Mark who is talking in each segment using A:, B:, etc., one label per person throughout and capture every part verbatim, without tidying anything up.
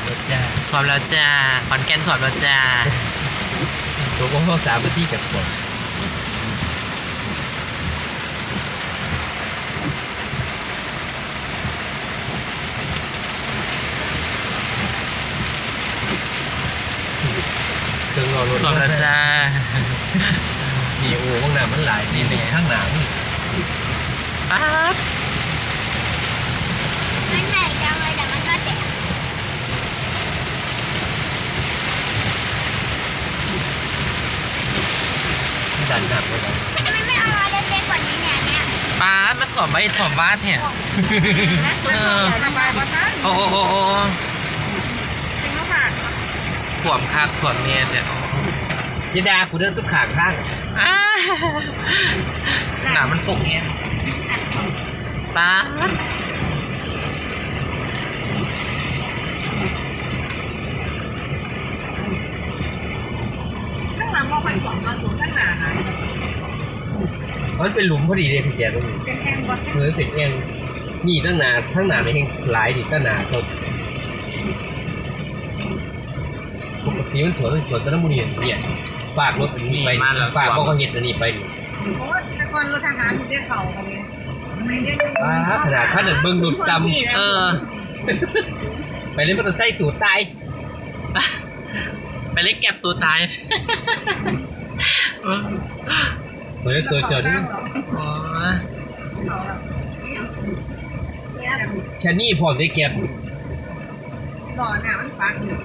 A: รถจ้า
B: พร้อมแล้วจ้าขอนแก่นพร้อมแล้วจ้า
A: ตัวกองเข้าสามนาทีกับผมเครื่องรอรถ
B: พร้อมแล้วจ้า
A: มีโอ้ข้างหน้ามันหลายนี่นี่ข้างหน้านี่
B: ป๊าบ
C: มันใหญ่จังเลยแต่มันก็แตก
A: ดันหนักเลยนะ
C: ทำไมไม่เอาอะไรเล็กๆกว่านี้เนี่ยเนี่ย
B: ป๊าบมาถ่วมไว้ถ่วมบ้านเนี่ย
C: เออ
D: สบายมาท่าน
B: โอ้โอ้โอ้โอ้
D: จริงก็ผ่าน
B: ถ่วมคักถ่วมเนี่ยเนี่ย
A: ยดากูเดินสุดขางข้าง
B: อ้าหนามันฝกเนี่ยป๊าบ
D: ข้างหลังมองไปขวางมาสูงข้างหน้าหาย
A: มันเป็นหลุมพอดีเลยพี่แจ๊ตรงนี้
D: เป็นแห้งวัด
A: เหมือนเป็นเองนี่ตั้งนานทั้งนานในแห่งหลายดิตั้งนานจนปกติมันสวนมันสวนตะนมุนีเนี่ยฝากรถอันนี้ไปฝากพ่อเขาเห็ดอันนี้ไป
D: โอ้แต่ก่อนรถทหารอยู่ได้เข่ากันเลยไม่ได้
A: ว้าขนาดขนาดเบิ้งดุดจ
B: เออ
A: ำไปเล่นมอเตอร์ไซค์สูตรตาย
B: ไปเล็กแก็บสูตรตาย
A: เหมือนตัวจน
B: อ๋อ
D: เขาแล้วเนี่ย
A: ชานี่พร้อมได้เก็บ
D: หล่อหน้ามันฟังอยู่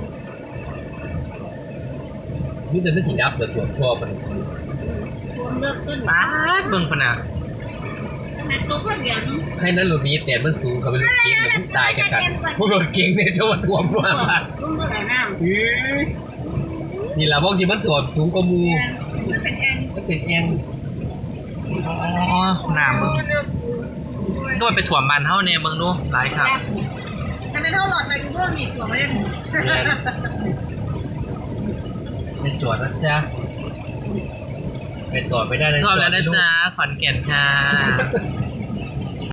A: นี่จะเป็นสีดับเดือดตัวทั่วมัน
D: รวมเลิกขึ้น
B: ป๊าบเบิ่งพะนา
D: ขนาดตัวคนเดียวนึง
A: แค่นั้นรถนี้แต่มันสูงเขาเป็นรถเก๋งมันตายกันกันพวกรถเก๋งเนี่ยจะมาท่วมมาก
D: รุ่งเมื่อไหร่น้
A: นี่แหละพวกที่มันสวมสูงกว่ามู
D: ำมันเป็นแอน
A: มันเป็นแอน
B: อ๋อหนามึงก็มันไปถ่วมมันเท่าเนี่ยเบิ่งดูหลายครับ
D: แต่เป็นเท่าหลอดใจกูร่วงอีกหัวไม่ได้
A: ไปจอดนะจ๊ะไปต่อไม่ได้นะ
B: ชอบแล้วนะจ๊ะขอนแก่นค่ะ